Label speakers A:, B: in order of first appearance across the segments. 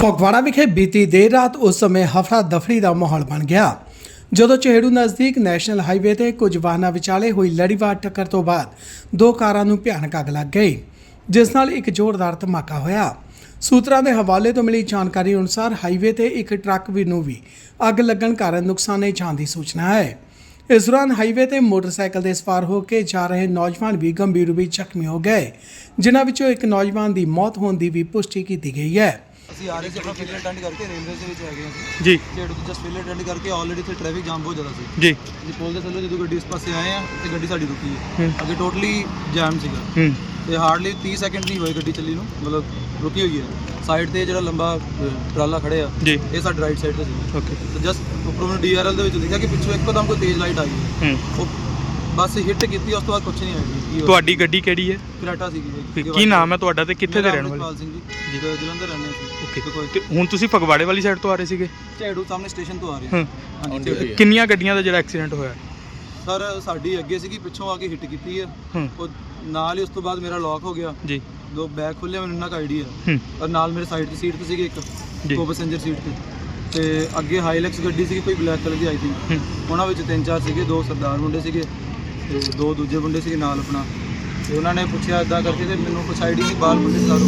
A: ਫਗਵਾੜਾ ਵਿਖੇ ਬੀਤੀ ਦੇਰ ਰਾਤ ਉਸ ਸਮੇਂ ਹਫੜਾ ਦਫੜੀ ਦਾ ਮਾਹੌਲ ਬਣ ਗਿਆ ਜਦੋਂ ਚਹੇੜੂ ਨਜ਼ਦੀਕ ਨੈਸ਼ਨਲ ਹਾਈਵੇ ਤੇ ਕੁਝ ਵਾਹਨਾਂ ਵਿਚਾਲੇ ਹੋਈ ਲੜੀਵਾਰ ਟੱਕਰ ਤੋਂ ਬਾਅਦ ਦੋ ਕਾਰਾਂ ਨੂੰ ਭਿਆਨਕ ਅੱਗ ਲੱਗ ਗਈ, ਜਿਸ ਨਾਲ ਇੱਕ ਜ਼ੋਰਦਾਰ ਧਮਾਕਾ ਹੋਇਆ। ਸੂਤਰਾਂ ਦੇ ਹਵਾਲੇ ਤੋਂ ਮਿਲੀ ਜਾਣਕਾਰੀ ਅਨੁਸਾਰ ਹਾਈਵੇ ਤੇ ਇੱਕ ਟਰੱਕ ਨੂੰ ਵੀ ਅੱਗ ਲੱਗਣ ਕਾਰਨ ਨੁਕਸਾਨੇ ਜਾਣ ਦੀ ਸੂਚਨਾ ਹੈ। इस दौरान हाईवे ते मोटरसाइकिल से सवार होकर जा रहे नौजवान भी गंभीर रूप से ਜ਼ਖਮੀ हो गए, जिन्हां विचों एक नौजवान की मौत होने की भी पुष्टि की गई है।
B: ਅਸੀਂ ਆ ਰਹੇ ਸੀ ਆਪਣਾ ਫਿਲਰ ਅਟੈਂਡ ਕਰਕੇ ਰੇਲਵੇ ਦੇ ਵਿੱਚ ਹੈਗੇ ਅਸੀਂ
C: ਜੀ
B: ਝੇੜੂ ਤੋਂ ਜਸਟ ਫਿਲਰ ਅਟੈਂਡ ਕਰਕੇ ਆਲਰੇਡੀ ਇੱਥੇ ਟ੍ਰੈਫਿਕ ਜਾਮ ਬਹੁਤ ਜ਼ਿਆਦਾ ਸੀ।
C: ਜੀ
B: ਅਸੀਂ ਪੁਲ ਦੇ ਥੱਲੇ ਜਦੋਂ ਗੱਡੀ ਇਸ ਪਾਸੇ ਆਏ ਆ ਤੇ ਗੱਡੀ ਸਾਡੀ ਰੁਕੀ ਹੈ। ਅੱਗੇ ਟੋਟਲੀ ਜਾਮ ਸੀਗਾ ਤੇ ਹਾਰਡਲੀ 30 ਸੈਕਿੰਡ ਨਹੀਂ ਹੋਏ ਗੱਡੀ ਚੱਲੀ ਨੂੰ, ਮਤਲਬ ਰੁਕੀ ਹੋਈ ਹੈ। ਸਾਈਡ ਤੇ ਜਿਹੜਾ ਲੰਬਾ ਟਰਾਲਾ ਖੜੇ ਆ
C: ਜੀ
B: ਇਹ ਸਾਡੀ ਰਾਈਟ ਸਾਈਡ ਤੇ ਸੀ।
C: ਓਕੇ
B: ਤੇ ਜਸਟ ਉੱਪਰੋਂ ਮੈਨੂੰ ਡੀਆਰਐਲ ਦੇ ਵਿੱਚ ਦਿਖਿਆ ਕਿ ਪਿੱਛੋਂ ਇੱਕਦਮ ਕੋਈ ਤੇਜ਼ ਲਾਈਟ ਆਈ ਹੈ। ਉਹ ਬਸ ਹਿੱਟ ਕੀਤੀ, ਉਸ ਤੋਂ ਬਾਅਦ ਕੁਝ ਨਹੀਂ ਆਇਆ।
C: ਤੁਹਾਡੀ ਗੱਡੀ ਕਿਹੜੀ ਹੈ?
B: ਕਰਾਟਾ ਸੀਗੀ ਜੀ।
C: ਕੀ ਨਾਮ ਹੈ ਤੁਹਾਡਾ ਤੇ ਕਿੱਥੇ ਦੇ ਰਹਿਣ ਵਾਲੇ?
B: ਪਾਲ ਸਿੰਘ ਜੀ ਜਲੰਧਰ ਰਹਿੰਦੇ ਸੀ।
C: ਓਕੇ ਤੇ ਹੁਣ ਤੁਸੀਂ ਫਗਵਾੜੇ ਵਾਲੀ ਸਾਈਡ ਤੋਂ ਆ ਰਹੇ ਸੀਗੇ?
B: ਝੇੜੂ ਸਾਹਮਣੇ ਸਟੇਸ਼ਨ ਤੋਂ ਆ ਰਹੇ ਹਾਂਜੀ।
C: ਕਿੰਨੀਆਂ ਗੱਡੀਆਂ ਦਾ ਜਿਹੜਾ ਐਕਸੀਡੈਂਟ ਹੋਇਆ?
B: ਸਰ ਸਾਡੀ ਅੱਗੇ ਸੀਗੀ, ਪਿੱਛੋਂ ਆ ਕੇ ਹਿੱਟ ਕੀਤੀ ਹੈ। ਉਹ ਨਾਲ ਹੀ ਉਸ ਤੋਂ ਬਾਅਦ ਮੇਰਾ ਲੌਕ ਹੋ ਗਿਆ
C: ਜੀ,
B: ਦੋ ਬੈਗ ਖੁੱਲੇ, ਮੈਨੂੰ ਇੰਨਾ ਕੁ ਆਈਡੀਆ। ਔਰ ਨਾਲ ਮੇਰੇ ਸਾਈਡ ਦੀ ਸੀਟ ਤੇ ਸੀਗੇ ਇੱਕ ਕੋ ਪੈਸੇਂਜਰ ਸੀਟ ਤੇ ਅੱਗੇ ਹਾਈਲੈਕਸ ਗੱਡੀ ਸੀਗੀ ਕੋਈ ਬਲੈਕ ਕਲਰ ਦੀ ਆਈ ਥਿੰਕ। ਉਹਨਾਂ ਵਿੱਚ 3-4 ਸੀਗੇ, 2 ਸਰਦਾਰ ਮੁੰਡੇ ਸੀਗੇ ਤੇ 2 ਦੂਜੇ ਮੁੰਡੇ ਸੀਗੇ ਨਾਲ ਆਪਣਾ। ਤੇ ਉਹਨਾਂ ਨੇ ਪੁੱਛਿਆ ਇਦਾਂ ਕਰਕੇ ਤੇ ਮੈਨੂੰ ਕੁਛ ਆਈਡੀਆ ਨਹੀਂ, ਬਾਲ ਮੁੰਡੇ ਸਾਰੋ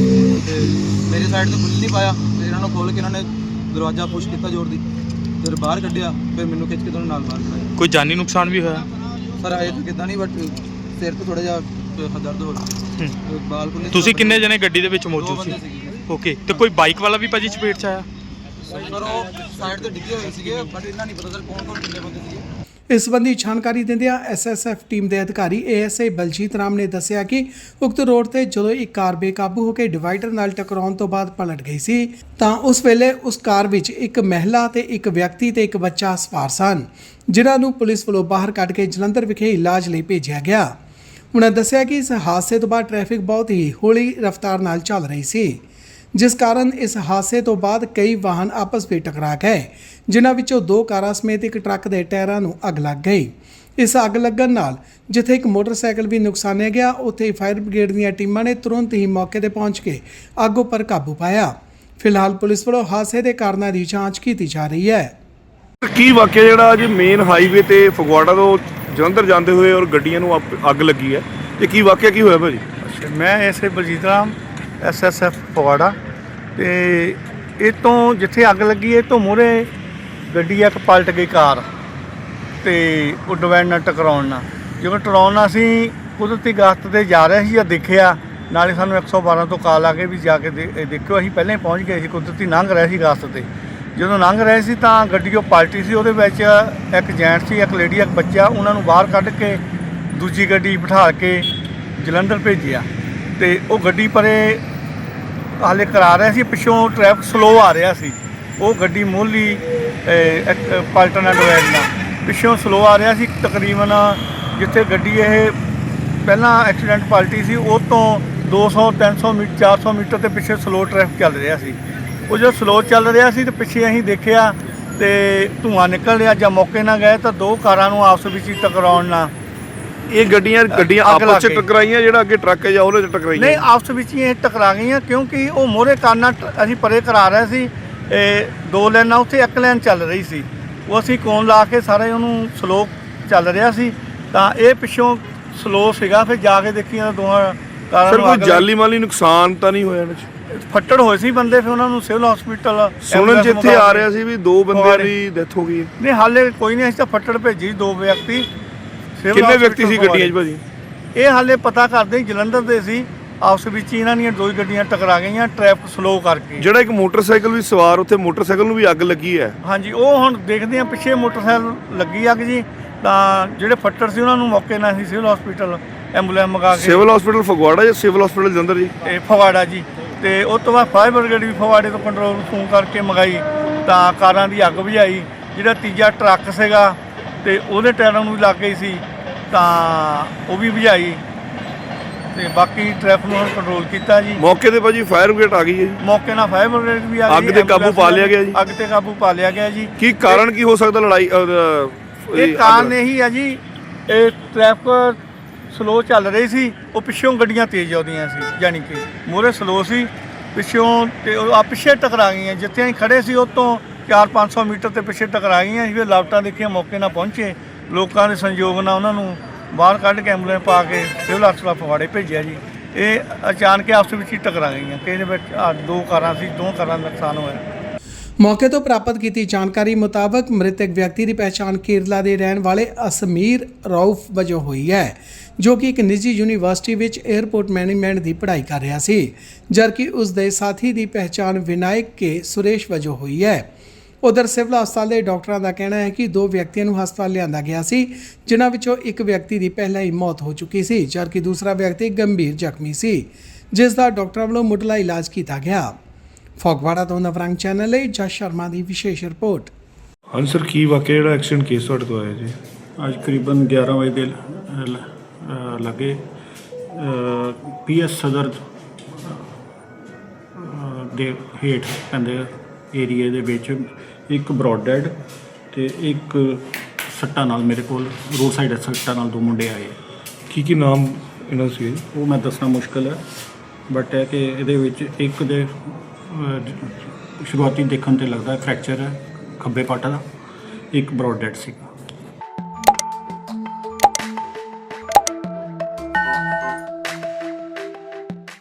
B: ਤੇ ਮੇਰੀ ਸਾਈਡ ਤੋਂ ਖੁੱਲ ਨਹੀਂ ਪਾਇਆ ਤੇ ਇਹਨਾਂ ਨੂੰ ਖੋਲ ਕੇ ਇਹਨਾਂ ਨੇ ਦਰਵਾਜ਼ਾ ਪੁਸ਼ ਕੀਤਾ ਜ਼ੋਰ ਦੀ, ਫਿਰ ਬਾਹਰ ਕੱਢਿਆ, ਫਿਰ ਮੈਨੂੰ ਖਿੱਚ ਕੇ ਦੋਨੋਂ ਨਾਲ ਬਾਹਰ ਕਰਾਇਆ।
C: ਕੋਈ ਜਾਨੀ ਨੁਕਸਾਨ ਵੀ ਹੋਇਆ?
B: ਸਰ ਆਏ ਤਾਂ ਕਿੱਦਾਂ ਨਹੀਂ, ਬਟ ਸਿਰ ਤੋਂ ਥੋੜਾ ਜਿਹਾ ਦਰਦ ਹੋ ਰਿਹਾ। ਬਾਲ ਖੁੱਲੇ।
C: ਤੁਸੀਂ ਕਿੰਨੇ ਜਣੇ ਗੱਡੀ ਦੇ ਵਿੱਚ ਮੌਜੂਦ ਸੀ? ਓਕੇ ਤੇ ਕੋਈ ਬਾਈਕ ਵਾਲਾ ਵੀ ਭਾਜੀ ਚਪੇਟ 'ਚ ਆਇਆ?
B: ਸਰ ਉਹ ਸਾਈਡ ਤੇ ਡਿੱਗੇ ਹੋਏ ਸੀਗੇ, ਬਟ ਇਹਨਾਂ ਨਹੀਂ ਪਤਾ ਸਰ ਕੌਣ ਕਿੰਨੇ ਬੰਦੇ ਸੀਗੇ।
A: इस संबंधी जानकारी दिंदियां SSF टीम के अधिकारी ASI बलजीत राम ने दस्सिया कि उक्त रोड ते जदों एक कार बेकाबू होकर डिवाइडर नाल टकराउण तो बाद पलट गई सी तां उस वेले उस कार विच एक महिला ते एक व्यक्ति ते एक बच्चा सवार सन, जिन्हां नूं पुलिस वल्लों बाहर कढ के जलंधर विखे इलाज लई भेजिया गया। उन्हां दस्सिया कि इस हादसे तो बाद ट्रैफिक बहुत ही हौली रफ्तार नाल चल रही सी, जिस कारण इस हादसे तो बाद कई वाहन आपस में टकरा गए, जिन्हां विचों 2 कारां समेत एक ट्रक के टायरां नूं अग लग गई। इस अग लगन नाल जिथे एक मोटरसाइकिल भी नुकसानिया गया, उत्थे फायर ब्रिगेड दीआं टीमां ने तुरंत ही मौके ते पहुंच के अग उपर काबू पाया। फिलहाल पुलिस वल्लों हादसे के कारणों की जांच की जा रही है।
D: ਕੀ ਵਾਕਿਆ ਜਿਹੜਾ ਅੱਜ ਮੇਨ ਹਾਈਵੇ ਤੇ ਫਗਵਾੜਾ ਤੋਂ ਜਲੰਧਰ ਜਾਂਦੇ ਹੋਏ ਔਰ ਗੱਡੀਆਂ ਨੂੰ ਅੱਗ ਲੱਗੀ ਹੈ, ਇਹ ਕੀ ਵਾਕਿਆ ਕੀ ਹੋਇਆ ਭਾਜੀ?
E: मैं एसए बलजीत राम SSF ਫਗਵਾੜਾ ਤੇ ਇਹ ਤੋਂ ਜਿੱਥੇ ਅੱਗ ਲੱਗੀ ਇਹ ਤੋਂ ਮੂਹਰੇ ਗੱਡੀ ਇੱਕ ਪਲਟ ਗਈ ਕਾਰ ਤੇ ਉਹ ਡਿਵਾਈਡਰ ਨਾਲ ਟਕਰਾਉਣ ਨਾਲ। ਜਦੋਂ ਟਕਰਾਉਣ ਨਾਲ ਅਸੀਂ ਕੁਦਰਤੀ ਗਸ਼ਤ ਤੇ ਜਾ ਰਹੇ ਸੀ ਜਾਂ ਦੇਖਿਆ, ਨਾਲੇ ਸਾਨੂੰ 112 ਤੋਂ ਕਾਲ ਆ ਕੇ ਵੀ ਜਾ ਕੇ ਦੇਖਿਓ। ਅਸੀਂ ਪਹਿਲਾਂ ਹੀ ਪਹੁੰਚ ਗਏ ਸੀ, ਕੁਦਰਤੀ ਲੰਘ ਰਹੇ ਸੀ ਗਸ਼ਤ ਤੇ। ਜਦੋਂ ਲੰਘ ਰਹੇ ਸੀ ਤਾਂ ਗੱਡੀ ਉਹ ਪਲਟੀ ਸੀ, ਉਹਦੇ ਵਿੱਚ ਇੱਕ ਜੈਂਟ ਸੀ, ਇੱਕ ਲੇਡੀ, ਇੱਕ ਬੱਚਾ। ਉਹਨਾਂ ਨੂੰ ਬਾਹਰ ਕੱਢ ਕੇ ਦੂਜੀ ਗੱਡੀ ਬਿਠਾ ਕੇ ਜਲੰਧਰ ਭੇਜਿਆ ਤੇ ਉਹ ਗੱਡੀ ਪਰੇ ਹਾਲੇ ਕਰਾ ਰਿਹਾ ਸੀ। ਪਿੱਛੋਂ ਟ੍ਰੈਫਿਕ ਸਲੋ ਆ ਰਿਹਾ ਸੀ, ਉਹ ਗੱਡੀ ਮੋਹਲੀ ਪਲਟਣਾ ਡਿਵਾਈਡਰ ਨਾਲ ਪਿੱਛੋਂ ਸਲੋ ਆ ਰਿਹਾ ਸੀ। ਤਕਰੀਬਨ ਜਿੱਥੇ ਗੱਡੀ ਇਹ ਪਹਿਲਾਂ ਐਕਸੀਡੈਂਟ ਪਲਟੀ ਸੀ ਉਹ ਤੋਂ 200 300 ਮੀਟਰ 400 ਮੀਟਰ ਤੇ ਪਿੱਛੇ ਸਲੋ ਟ੍ਰੈਫਿਕ ਚੱਲ ਰਿਹਾ ਸੀ। ਉਹ ਜਦੋਂ ਸਲੋ ਚੱਲ ਰਿਹਾ ਸੀ ਤੇ ਪਿੱਛੇ ਅਸੀਂ ਦੇਖਿਆ ਤੇ ਧੂੰਆਂ ਨਿਕਲ ਰਿਹਾ। ਜਾਂ ਮੌਕੇ ਨਾਲ ਗਏ ਤਾਂ 2 ਕਾਰਾਂ ਨੂੰ ਆਪਸ ਵਿੱਚ ਹੀ ਟਕਰਾਉਣ ਨਾਲ
D: ਇਹ ਗੱਡੀਆਂ ਆਪਸ ਵਿੱਚ ਟਕਰਾਈਆਂ, ਜਿਹੜਾ ਅੱਗੇ ਟਰੱਕ ਹੈ ਜਾਂ ਉਹਦੇ ਚ ਟਕਰਾਈਆਂ?
E: ਨਹੀਂ, ਆਪਸ ਵਿੱਚ ਹੀ ਇਹ ਟਕਰਾ ਗਈਆਂ ਕਿਉਂਕਿ ਉਹ ਮੋਹਰੇ ਕਾਨਾਂ ਅਸੀਂ ਪਰੇ ਕਰਾ ਰਹੇ ਸੀ। 2 ਲਾਈਨਾਂ ਉੱਥੇ 1 ਲਾਈਨ ਚੱਲ ਰਹੀ ਸੀ, ਉਹ ਅਸੀਂ ਕੋਨ ਲਾ ਕੇ ਸਾਰੇ ਉਹਨੂੰ ਸਲੋ ਚੱਲ ਰਿਹਾ ਸੀ ਤਾਂ ਇਹ ਪਿੱਛੋਂ ਸਲੋ ਸੀਗਾ। ਫਿਰ ਜਾ ਕੇ ਦੇਖੀਆਂ ਦੋਹਾਂ ਕਾਰਾਂ ਨੂੰ।
D: ਕੋਈ ਜਾਨੀ ਮਾਲੀ ਨੁਕਸਾਨ ਤਾਂ ਨਹੀਂ ਹੋਇਆ?
E: ਫੱਟੜ ਹੋਏ ਸੀ ਬੰਦੇ, ਫਿਰ ਉਹਨਾਂ ਨੂੰ ਸਿਵਲ ਹਸਪੀਟਲ
D: ਸੁਣਨ ਚ ਇੱਥੇ ਆ ਰਿਹਾ ਸੀ ਵੀ 2 ਬੰਦਿਆਂ ਦੀ ਡੈਥ ਹੋ ਗਈ।
E: ਨਹੀਂ ਹਾਲੇ ਕੋਈ ਨਹੀਂ, ਅਸੀਂ ਤਾਂ ਫੱਟੜ ਭੇਜੀ 2 ਵਿਅਕਤੀ।
D: ਕਿੰਨੇ ਵਿਅਕਤੀ ਸੀ ਗੱਡੀਆਂ 'ਚ ਭਾਜੀ?
E: ਇਹ ਹਾਲੇ ਪਤਾ ਕਰਦੇ ਜਲੰਧਰ ਦੇ ਸੀ, ਆਪਸ ਵਿੱਚ ਇਹਨਾਂ ਦੀਆਂ 2 ਗੱਡੀਆਂ ਟਕਰਾ ਗਈਆਂ ਟ੍ਰੈਫਿਕ ਸਲੋ ਕਰਕੇ।
D: ਜਿਹੜਾ ਇੱਕ ਮੋਟਰਸਾਈਕਲ ਵੀ ਸਵਾਰ, ਉੱਥੇ ਮੋਟਰਸਾਈਕਲ ਨੂੰ ਵੀ ਅੱਗ ਲੱਗੀ ਹੈ?
E: ਹਾਂਜੀ, ਉਹ ਹੁਣ ਦੇਖਦੇ ਆ ਪਿੱਛੇ ਮੋਟਰਸਾਈਕਲ ਲੱਗੀ ਅੱਗ ਜੀ। ਤਾਂ ਜਿਹੜੇ ਫੱਟੜ ਸੀ ਉਹਨਾਂ ਨੂੰ ਮੌਕੇ ਨਾਲ ਅਸੀਂ ਸਿਵਲ ਹਸਪੀਟਲ ਐਂਬੂਲੈਂਸ ਮੰਗਾ ਕੇ।
D: ਸਿਵਲ ਹਸਪੀਟਲ ਫਗਵਾੜਾ ਜਾਂ ਸਿਵਲ ਹਸਪੀਟਲ ਜਲੰਧਰ ਜੀ?
E: ਇਹ ਫਗਵਾੜਾ ਜੀ। ਤੇ ਉਸ ਤੋਂ ਬਾਅਦ ਫਾਇਰ ਬ੍ਰਿਗੇਡ ਵੀ ਫਗਵਾੜੇ ਤੋਂ ਕੰਟਰੋਲ ਨੂੰ ਫੋਨ ਕਰਕੇ ਮੰਗਾਈ ਤਾਂ ਕਾਰਾਂ ਦੀ ਅੱਗ ਬੁਝਾਈ। ਜਿਹੜਾ ਤੀਜਾ ਟਰੱਕ ਸੀਗਾ ਤੇ ਉਹਦੇ ਟਾਇਰਾਂ ਨੂੰ ਵੀ ਲੱਗ ਗਈ ਸੀ ਤਾਂ ਉਹ ਵੀ ਬੁਝਾਈ ਤੇ ਬਾਕੀ ਟ੍ਰੈਫਿਕ ਨੂੰ ਕੰਟਰੋਲ ਕੀਤਾ ਜੀ।
D: ਮੌਕੇ ਤੇ ਭਾਜੀ ਫਾਇਰ ਬ੍ਰਿਗੇਡ ਆ ਗਈ ਹੈ ਜੀ?
E: ਮੌਕੇ ਨਾਲ ਫਾਇਰ ਬ੍ਰਿਗੇਡ ਵੀ ਆ ਗਈ।
D: ਅੱਗ ਤੇ ਕਾਬੂ ਪਾ ਲਿਆ ਗਿਆ ਜੀ?
E: ਅੱਗ ਤੇ ਕਾਬੂ ਪਾ ਲਿਆ ਗਿਆ ਜੀ।
D: ਕੀ ਕਾਰਨ ਕੀ ਹੋ ਸਕਦਾ ਲੜਾਈ?
E: ਇਹ ਕਾਰਨ ਇਹੀ ਆ ਜੀ, ਇਹ ਟ੍ਰੈਫਿਕ ਸਲੋ ਚੱਲ ਰਹੀ ਸੀ, ਉਹ ਪਿੱਛੋਂ ਗੱਡੀਆਂ ਤੇਜ਼ ਆਉਂਦੀਆਂ ਸੀ, ਯਾਨੀ ਕਿ ਮੂਹਰੇ ਸਲੋ ਸੀ ਪਿੱਛੋਂ ਤੇ ਉਹ ਆ ਪਿੱਛੇ ਟਕਰਾ ਗਈਆਂ। ਜਿੱਥੇ ਅਸੀਂ ਖੜੇ ਸੀ ਉਹ ਤੋਂ 400-500 ਮੀਟਰ ਤੇ ਪਿੱਛੇ ਟਕਰਾ ਗਈਆਂ। ਅਸੀਂ ਫਿਰ ਲਾਪਟਾਂ ਦੇਖੀਆਂ, ਮੌਕੇ ਨਾਲ ਪਹੁੰਚੇ, ਲੋਕਾਂ ਦੇ ਸੰਯੋਗ ਨਾਲ ਉਹਨਾਂ ਨੂੰ ਬਾਹਰ ਕੱਢ ਕੇ ਐਂਬੂਲੈਂਸ ਪਾ ਕੇ ਸਿਵਲ ਹਸਪਤਾਲ ਫਗਵਾੜੇ ਭੇਜਿਆ ਜੀ। ਇਹ ਅਚਾਨਕ ਆਪਸ ਵਿੱਚ ਹੀ ਟਕਰਾ ਗਈਆਂ। ਕਿਸੇ ਦੇ ਵਿੱਚ ਦੋ ਕਾਰਾਂ ਸੀ, ਦੋ ਕਾਰਾਂ ਦਾ ਨੁਕਸਾਨ ਹੋਇਆ।
A: ਮੌਕੇ ਤੋਂ ਪ੍ਰਾਪਤ ਕੀਤੀ ਜਾਣਕਾਰੀ ਮੁਤਾਬਕ ਮ੍ਰਿਤਕ ਵਿਅਕਤੀ ਦੀ ਪਹਿਚਾਣ ਕੇਰਲਾ ਦੇ ਰਹਿਣ ਵਾਲੇ ਅਸਮੀਰ ਰਊਫ ਵਜੋਂ ਹੋਈ ਹੈ, ਜੋ ਕਿ ਇੱਕ ਨਿੱਜੀ ਯੂਨੀਵਰਸਿਟੀ ਵਿੱਚ 에ਅਰਪੋਰਟ ਮੈਨੇਜਮੈਂਟ ਦੀ ਪੜ੍ਹਾਈ ਕਰ ਰਿਹਾ ਸੀ, ਜਦਕਿ ਉਸ ਦੇ ਸਾਥੀ ਦੀ ਪਹਿਚਾਣ ਵਿਨਾਇਕ ਕੇ ਸੁਰੇਸ਼ ਵਜੋਂ ਹੋਈ ਹੈ। ਉਧਰ ਸਿਵਲ ਹਸਪਤਾਲ ਦੇ ਡਾਕਟਰਾਂ ਦਾ ਕਹਿਣਾ ਹੈ ਕਿ 2 ਵਿਅਕਤੀਆਂ ਨੂੰ ਹਸਪਤਾਲ ਲਿਆਂਦਾ ਗਿਆ ਸੀ, ਜਿਨ੍ਹਾਂ ਵਿੱਚੋਂ ਇੱਕ ਵਿਅਕਤੀ ਦੀ ਪਹਿਲਾਂ ਹੀ ਮੌਤ ਹੋ ਚੁੱਕੀ ਸੀ, ਜਦਕਿ ਦੂਸਰਾ ਵਿਅਕਤੀ ਗੰਭੀਰ ਜ਼ਖਮੀ ਸੀ, ਜਿਸ ਦਾ ਡਾਕਟਰਾਂ ਵੱਲੋਂ ਮੁੱਢਲਾ ਇਲਾਜ ਕੀਤਾ ਗਿਆ। ਫਗਵਾੜਾ ਤੋਂ ਨਵਰੰਗ ਚੈਨਲ ਲਈ ਜਸ ਸ਼ਰਮਾ ਦੀ ਵਿਸ਼ੇਸ਼ ਰਿਪੋਰਟ।
D: ਹਾਂਜੀ ਸਰ, ਕੀ ਵਾਕਿਆ ਜਿਹੜਾ ਐਕਸੀਡੈਂਟ ਕੇਸ ਤੁਹਾਡੇ ਤੋਂ ਆਇਆ ਜੀ?
F: ਅੱਜ ਕਰੀਬਨ 11 ਵਜੇ ਦੇ ਲੱਗੇ ਪੀਐਸ ਸਦਰ ਦੇ ਹੇਠ ਪੈਂਦੇ ਏਰੀਏ ਦੇ ਵਿੱਚ ਇੱਕ ਬਰੋਡ ਡੈਡ ਤੇ ਇੱਕ ਸੱਟਾਂ ਨਾਲ ਮੇਰੇ ਕੋਲ ਰੋਡ ਸਾਈਡ ਸੱਟਾਂ ਨਾਲ 2 ਮੁੰਡੇ ਆਏ।
D: ਕੀ ਨਾਮ ਇਹਨਾਂ ਸੀ?
F: ਉਹ ਮੈਂ ਦੱਸਣਾ ਮੁਸ਼ਕਲ ਹੈ, ਬਟ ਹੈ ਕਿ ਇਹਦੇ ਵਿੱਚ ਇੱਕ ਦੇ ਸ਼ੁਰੂਆਤੀ ਦੇਖਣ ਤੇ ਲੱਗਦਾ ਫ੍ਰੈਕਚਰ ਹੈ ਖੱਬੇ ਪੱਟ ਦਾ, ਇੱਕ ਬਰੋਡ ਡੈਡ ਸੀ।